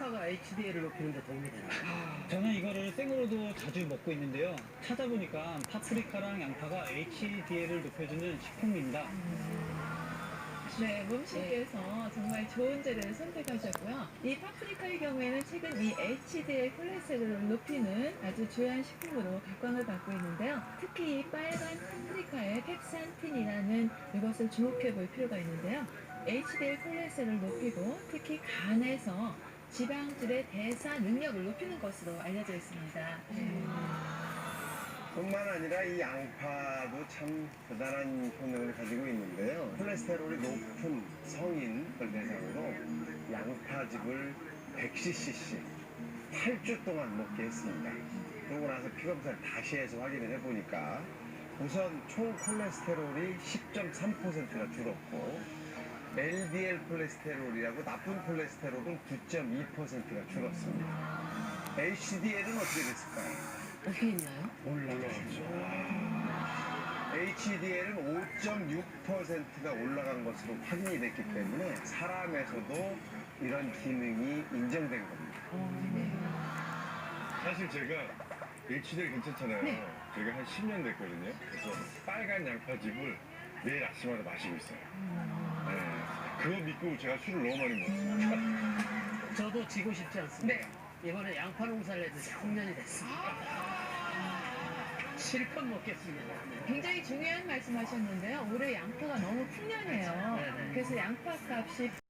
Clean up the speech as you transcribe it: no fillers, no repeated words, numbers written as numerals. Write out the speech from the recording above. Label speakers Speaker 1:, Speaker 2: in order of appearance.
Speaker 1: 양파가 HDL을 높이는 데 도움이 되나요?
Speaker 2: 저는 이거를 생으로도 자주 먹고 있는데요. 찾아보니까 파프리카랑 양파가 HDL을 높여주는 식품입니다.
Speaker 3: 네, 몸신께서 정말 좋은 재료를 선택하셨고요. 이 파프리카의 경우에는 최근 이 HDL 콜레스테롤을 높이는 아주 주요한 식품으로 각광을 받고 있는데요. 특히 이 빨간 파프리카의 캡산틴이라는 이것을 주목해 볼 필요가 있는데요. HDL 콜레스테롤을 높이고 특히 간에서 지방질의 대사 능력을 높이는 것으로 알려져 있습니다.
Speaker 4: 뿐만 아니라 이 양파도 참 대단한 효능을 가지고 있는데요. 콜레스테롤이 높은 성인을 대상으로 양파즙을 100cc 8주 동안 먹게 했습니다. 그러고 나서 피검사를 다시 해서 확인을 해보니까 우선 총 콜레스테롤이 10.3%가 줄었고 LDL 콜레스테롤이라고 나쁜 콜레스테롤은 9.2%가 줄었습니다. HDL은 어떻게 됐을까요?
Speaker 1: 어떻게 있나요?
Speaker 4: 올라갔죠. HDL은 5.6%가 올라간 것으로 확인이 됐기 때문에 사람에서도 이런 기능이 인정된 겁니다.
Speaker 5: 사실 제가 HDL 괜찮잖아요. 제가 한 10년 됐거든요. 그래서 빨간 양파즙을 매일 아침마다 마시고 있어요. 네. 그거 믿고 제가 술을 너무 많이 먹었어요.
Speaker 1: 저도 지고 싶지 않습니다. 이번에 양파 농사를 해도 3년이 됐습니다. 실컷 먹겠습니다.
Speaker 3: 굉장히 중요한 말씀하셨는데요. 올해 양파가 너무 풍년이에요.
Speaker 1: 네네.
Speaker 3: 그래서 양파 값이